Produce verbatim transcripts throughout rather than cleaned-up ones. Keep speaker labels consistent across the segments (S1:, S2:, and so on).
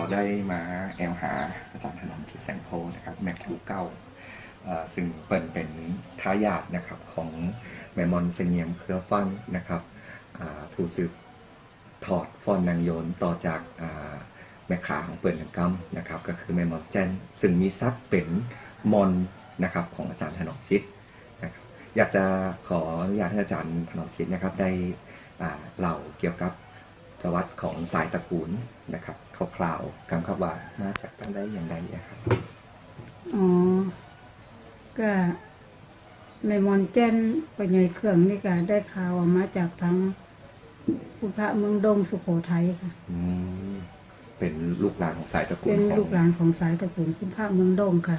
S1: ได้มาแอลหาอาจารย์ถนอมจิตแสงโพนะครับแม่ครูเก้าซึ่งเปิดเป็นทายาทนะครับของแม่มอนเสงี่ยมเครือฟังนะครับผู้สืบถอดฟ้อนนางโยนต่อจากแม่ขาของเปิดหนังกำนะครับก็คือแม่มอนแจนซึ่งมีซักเป็นมอนนะครับของอาจารย์ถนอมจิตนะครับอยากจะขออนุญาตให้อาจารย์ถนอมจิตนะครับได้เล่าเกี่ยวกับประวัติของสายตระกูลนะครับคร่าวๆคำครับว่ามาจากตั้งได้อย่างไรนะครับ
S2: อ๋อก็แม่มอนแจ้นไปใหญ่เครื่องนี่ก็ได้ข่าวมาจากทางพุทธเมืองดงสุโขทัยค่ะ
S1: อืมเป็นลูกหลานของสายตระกูล
S2: เป็นลูกหลานของสายตระกูลพุทธเมืองดงค่ะ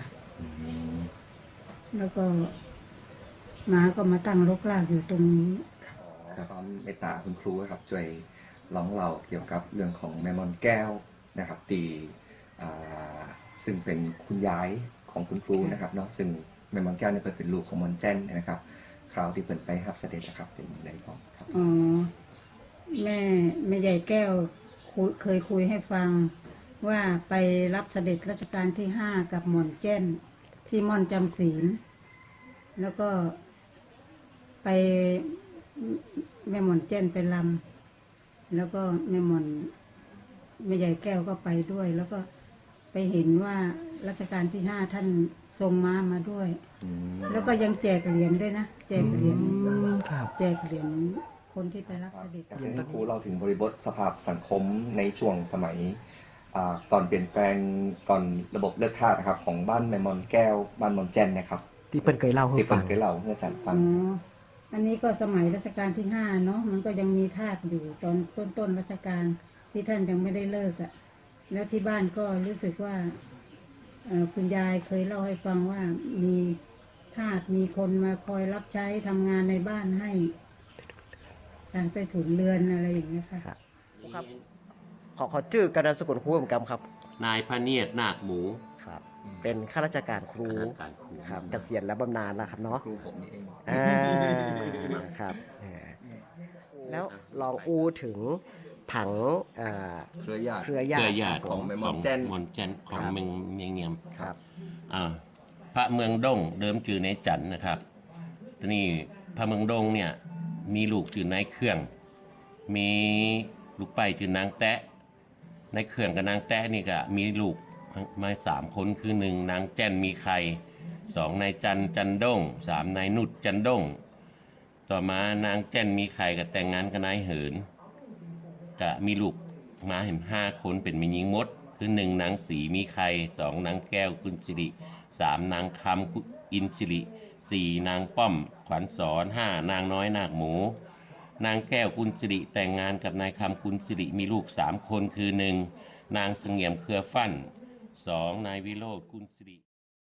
S2: แล้วก็มาก็มาตั้งรกรากอยู่ตรงนี้
S1: ความเมตตาคุณครูครับช่วยร้องเล่าเกี่ยวกับเรื่องของแม่มอนแก้วนะครับตีซึ่งเป็นคุณยายของคุณครูนะครับเนาะซึ่งแม่มอนแก้วเนี่ยเป็นลูกของมอนแจ้นนะครับคราวที่เปิดไปรับเสด็จนะครับเป็นอย่างไรบ้างครับ
S2: อ๋อแม่แม่ใหญ่แก้วเคยคุยให้ฟังว่าไปรับเสด็จรัชกาลที่ห้ากับหม่อนแจ้นที่ม่อนจำศีลแล้วก็ไปแม่หม่อนแจ้นไปลำแล้วก็แม่หม่อนแม่ใหญ่แก้วก็ไปด้วย แล้วก็ไปเห็นว่ารัชกาลที่ห้าท่านทรงม้ามาด้วยแล้วก็ยังแจกเหรียญด้วยนะแจกเหรียญแจกเหรียญคนที่ไปรับเสด็จ
S1: อาจารย์ครูเราถึงบริบทสภาพสังคมในช่วงสมัยก่อนเปลี่ยนแปลงก่อนระบบเลือกทาสนะครับของบ้านแม่มอนแก้วบ้านมอนแจนนะครับ
S3: ที่เปิ้ลเคยเล่าให้ฟัง
S1: ที่เปิ้ลเคยเล่าให้อาจารย์ฟัง
S2: อันนี้ก็สมัยรัชกาลที่ห้าเนาะมันก็ยังมีทาสอยู่ตอนต้นต้นรัชกาลที่ท่านยังไม่ได้เลิกอ่ะแล้วที่บ้านก็รู้สึกว่าคุณยายเคยเล่าให้ฟังว่ามีทาสมีคนมาคอยรับใช้ทำงานในบ้านให้ทางใต้ถุนเรือนอะไรอย่างเงี้ยค่ะ
S3: ครับขอขอชื่อกระดานสกุลครูเหมือนกันครับ
S4: นายพระเนียดนาคหมู
S3: ครับเป็นข้าราชการครูครับเกษียณแล้วบำนาญแล้วครับเนาะ
S1: ครูผมนี่เอง
S3: อ่าครับแล้วลองอูถึงผัง
S1: เครือญาติ
S3: เครือ
S4: ญาติ
S1: ของแม่มอนแจน
S4: มอนแจนของเมืองเมียงเงียม
S3: ครับ
S4: อ่าพระเมืองดงเดิมจื่อในจันนะครับทีนี้พระเมืองดงเนี่ยมีลูกจื่อนายเครื่องมีลูกไปจื่อนางแตะในเครื่องกับนางแตะนี่ก็มีลูกมาสามคนคือหนึ่งนางแจนมีใครสองนายจันจันด้งสามนายนุชจันด้งต่อมานางแจนมีใครกับแต่งงานกับนายเหินจะมีลูกมาเห็นห้าคนเป็นมีหญิงมดคือหนึ่งนางสีมีใครสองนางแก้วกุลสิริสามนางคำอินสิริสี่นางป้อมขวัญสอนห้านางน้อยนาคหมูนางแก้วกุลสิริแต่งงานกับนายคำกุลสิริมีลูกสามคนคือหนึ่งนางเสงี่ยมเครือฟั่นสองนายวิโรจน์กุลสิริ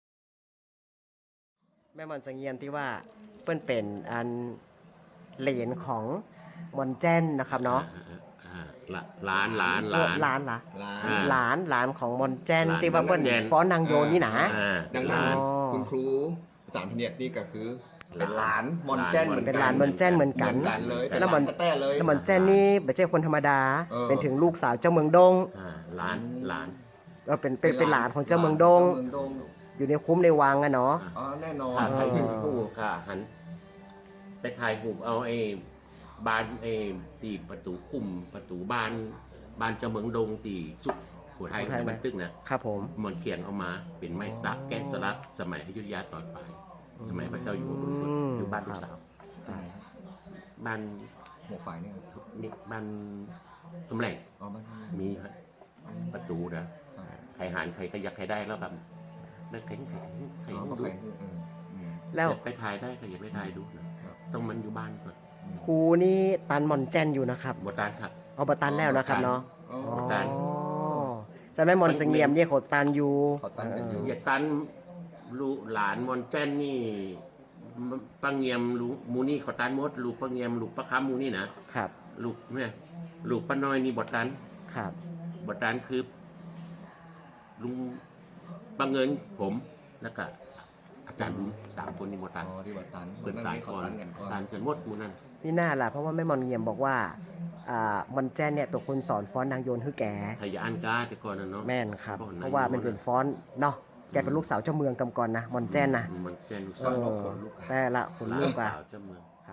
S3: แม่มอนเสงี่ยมที่ว่าเปิ้นเป็นอันเหลนของมอนแจนนะครับเนาะ
S4: หลานหลานหลาน
S3: หลานหลานหลานหลานของมอนแจนที่ว่าเปิ้นฟ้อนนางโยนนี่นะ
S1: ดังนั้นคุณครูอาจารย์พเนียดนี่ก็คือเป็นหลานมอนแจนเหมือน
S3: เป็นหลานมอนแจนเหมือนกัน
S1: แล้วมอนแต้เลย
S3: แล้วมอนแจนนี่ไม่ใช่คนธรรมดาเป็นถึงลูกสาวเจ้าเมืองดง
S4: หลานหลาน
S3: ก็เป็นเป็นเป็นหลานของเจ้าเมืองดงอยู่ในคุ้มในวังอะเนาะ
S1: อ๋อแน่นอน
S4: ถ่ายรูปคู่ค่ะหันไปถ่ายรูปเอาไอ้บานไอ้ตีประตูคุ้มประตูบ้านบ้านเจ้าเมืองดงตีสุโขทัยในบันทึกนะครับ
S3: ผม
S4: มอนเขียนเอามาเป็นไม้สักแกะสลักสมัยอยุธยาตอนปลายสมัยพระเจ้าอยู่หัวอยู่บ้านลูกสาวบ้าน
S1: หัวฝ่ายนี่
S4: นี่บ้านตำแหน่งมีประตูนะใครหานใครขยักใครได้แล้วแบบนั่นแข็งแข็งใครดูแล้วไปถ่ายได้ใครอย่าไปถ่ายดูนะต้องมันอยู่บ้านก่อน
S3: ครูนี่ตันมอนแจนอยู่นะครับ
S4: บตันครับ
S3: เอาบตันแล้วนะครับเนาะบตันจะไม่มอนเสงี่ยมเนี่ยขดตันอยู่
S4: อย่าตันลูกหลานมอนแจนนี่ปังเงียมลูกมูนี่ขอตันมดลูกปังเงียมลูกปะค้ำมูนี่นะครับลูกเนี่ยลูกป้าน้อยนี่บตัน
S3: ครับ
S4: บตันคือลุงปังเงินผมแล้วก็อาจารย์สามคนนี่บตัน
S1: ที่บตัน
S4: เปิดตายก่อนตันเกินมดมูนั่น
S3: นี่น่าล่ะเพราะว่าแม่มอนเงียมบอกว่าอ่ามอนแจ้นเนี่ยเป็นคนสอนฟ้อนนางโยนให้แก
S4: ทายานกาแต่ก่อนนะเนาะ
S3: แม่นครับ
S4: ฟ้อนนางโยน
S3: เพราะว่ามันเป็นฟ้อนเนาะแกเป็นลูกสาวเจ้าเมืองกำก่อนนะมอนแจ้นนะ
S4: มันแจ้นลูก
S3: เอ
S4: สาว
S3: อแต่ละคนลูก
S4: สา
S3: อะ
S4: วเจ้าเมือง
S3: ครับ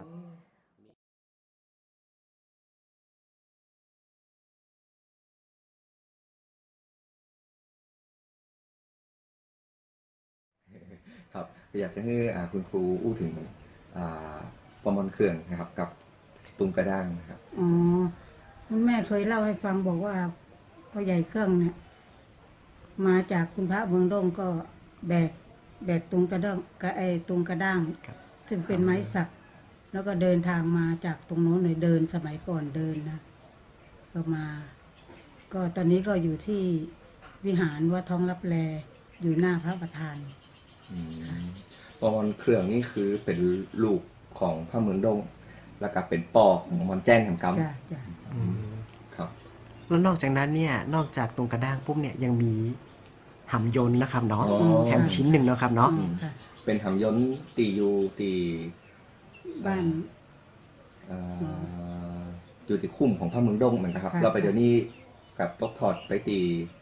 S1: ครับอยากจะให้อ่าคุณครูอู้ถึงอ่าประมวลเครื่องนะครับกับตุงกระด้างนะครับ
S2: อ๋อคุณแม่เคยเล่าให้ฟังบอกว่าพ่อใหญ่เครื่องเนี่ย มาจากคุณพระเมืองดงก็แบกแบกตุงกระด้างกระไอตุงกระด้าง
S3: ครับ
S2: ซึ่งเป็นไม้สัก แล้วก็เดินทางมาจากตรงโน้นเลยเดินสมัยก่อนเดินนะก็มา ก็ตอนนี้ก็อยู่ที่วิหารวัดท้องรับแลอยู่หน้าพระประธาน
S1: อืมประมวลเครื่องนี่คือเป็นลูกของพระเมืองดง แล้วก็เป็นป่อของมอนแจ้นของก
S2: จ้ะจ้ะ
S1: ำครับ
S3: แล้วนอกจากนั้นเนี่ยนอกจากตรงกระด้างปุ๊บเนี่ยยังมีหำยนต์นะครับเนาะ
S1: อ๋อ
S3: แฮมชิ้นหนึ่งเนาะครับเนาะ
S2: อ๋อค่ะ
S1: เป็นหำย้นตีอยูตี
S2: บ้าน
S1: เอ่ออยู่ที่คุ้มของพระเมืองดงเหมือนกันครับ
S2: ค่ะ
S1: เราไปเดี๋ยวนี้กับตกถอดไปตี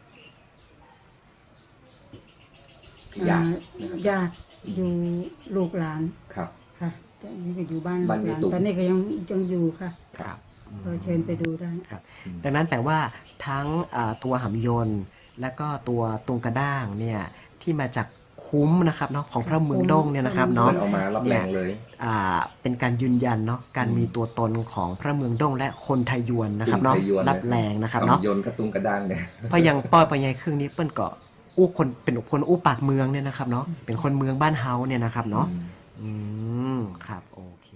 S1: ยา
S2: อ่า
S1: นะครับ
S2: ญาติอยู่ลูกหลาน
S1: ครับ
S2: ค่ะตอนนี้ก็อยู่บ้าน
S1: บ้าน
S2: ห
S1: ยาย
S2: ลาน
S1: ตุ๊ก
S2: ตอนนี้ก็ยังยังอยู่ค่ะ
S3: ครับ
S2: ก็เชิญไปดูได้
S3: ครับ ดังนั้นแปลว่าทั้งอ่าตัวหำยนต์และก็ตัวตรงกระด้างเนี่ยที่มาจากคุ้มนะครับเนาะของพระเมืองดงเนี่ยนะครับ
S1: เปิ
S3: เนาะ
S1: ดออกมารับแรงเลย
S3: อ่าเป็นการยืนยันเนาะการมีตัวตนของพระเมืองดงและคนไทยยวนนะครับเนาะ
S1: กลุ่มไทยยวน
S3: รับแรงนะครับเนาะ
S1: หำยนกระตุงกระด้างเนี่ย
S3: เพราะอยังป้อยปอยายครึ่งนี้เปิ้นก็อู้คนเป็นคนอู้ปากเมืองเนี่ยนะครับเนาะเป็นคนเมืองบ้านเฮาเนี่ยนะครับเนาะ อืม ครับ โอเค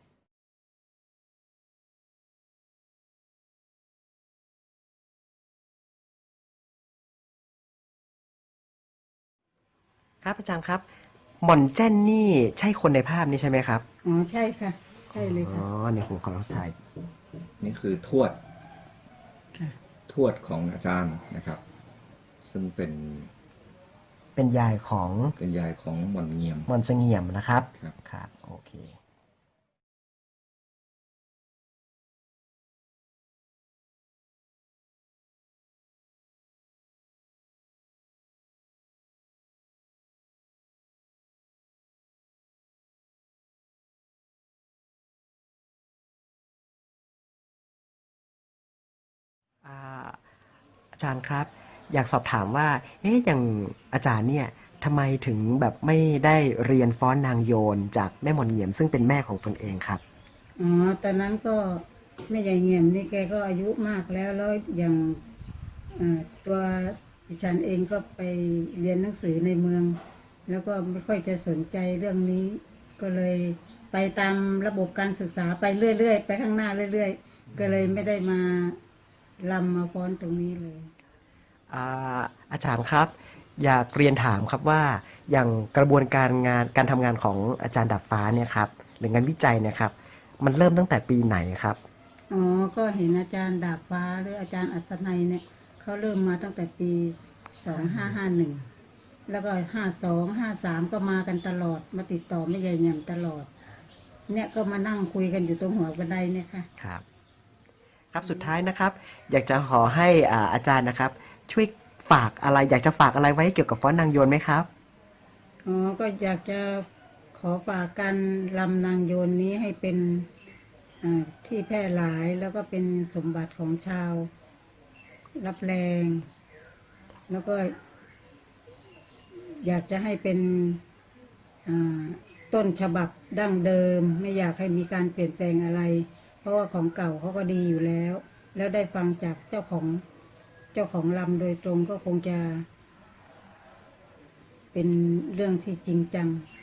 S3: ครับอาจารย์ครับหม่อนแจ้นนี่ใช่คนในภาพนี้ใช่ไหมครับ
S2: อ๋อใช่ค่ะ ใช่เลย
S3: อ๋
S2: ค่ะ
S3: อเนี่ยผมขอถ่าย
S1: นี่คือทวด
S2: ค่ะ
S1: ทวดของอาจารย์นะครับ ซึ่งเป็น
S3: เป็นยายของ
S1: เป็นยายของหม่อนเงียม
S3: หม่อนเสงี่ยมนะครับ
S1: ครับ
S3: ครับ โอเค อ่าอาจารย์ครับ อยากสอบถามว่า เอ๊ะอย่างอาจารย์เนี่ยทำไมถึงแบบไม่ได้เรียนฟ้อนนางโยนจากแม่หม่อนเหงี่ยมซึ่งเป็นแม่ของตนเองครับ
S2: อ๋อ ตอนนั้นก็แม่ใหญ่เงี่ยมนี่แกก็อายุมากแล้วแล้วอย่างเอ่อตัวดิฉันเองก็ไปเรียนหนังสือในเมือง แล้วก็ไม่ค่อยจะสนใจเรื่องนี้ ก็เลยไปตามระบบการศึกษาไปเรื่อยๆไปข้างหน้าเรื่อยๆ ก็เลยไม่ได้มาลำมาฟ้อนตรงนี้เลย
S3: อ่าอาจารย์ครับ อยากเรียนถามครับว่าอย่างกระบวนการงานการทำงานของอาจารย์ดับฟ้าเนี่ยครับหรืองานวิจัยเนี่ยครับมันเริ่มตั้งแต่ปีไหนครับ
S2: อ๋อ ก็เห็นอาจารย์ดาบฟ้าหรืออาจารย์อัศนัยเนี่ยเขาเริ่มมาตั้งแต่ปีสองห้าห้าหนึ่งแล้วก็ห้าสองห้าสามก็มากันตลอดมาติดต่อไม่ใหญ่เงี่ยมตลอด เนี่ยก็มานั่งคุยกันอยู่ตรงหัวบันไดเนี่ยค่ะ
S3: ครับครับสุดท้ายนะครับ อยากจะขอให้อ่าอาจารย์นะครับ ช่วยฝากอะไร อยากจะฝากอะไรไว้เกี่ยวกับฟ้อนนางโยนไหมครับ
S2: อ๋อ ก็อยากจะขอฝากการลำนางโยนนี้ให้เป็นอ่าที่แพร่หลายแล้วก็เป็นสมบัติของชาว รับแรง แล้วก็ อยากจะให้เป็นอ่าต้นฉบับดั้งเดิม ไม่อยากให้มีการเปลี่ยนแปลงอะไร เพราะว่าของเก่าเขาก็ดีอยู่แล้ว แล้วได้ฟังจากเจ้าของเจ้าของลำโดยตรงก็คงจะ เป็นเรื่องที่จริงจัง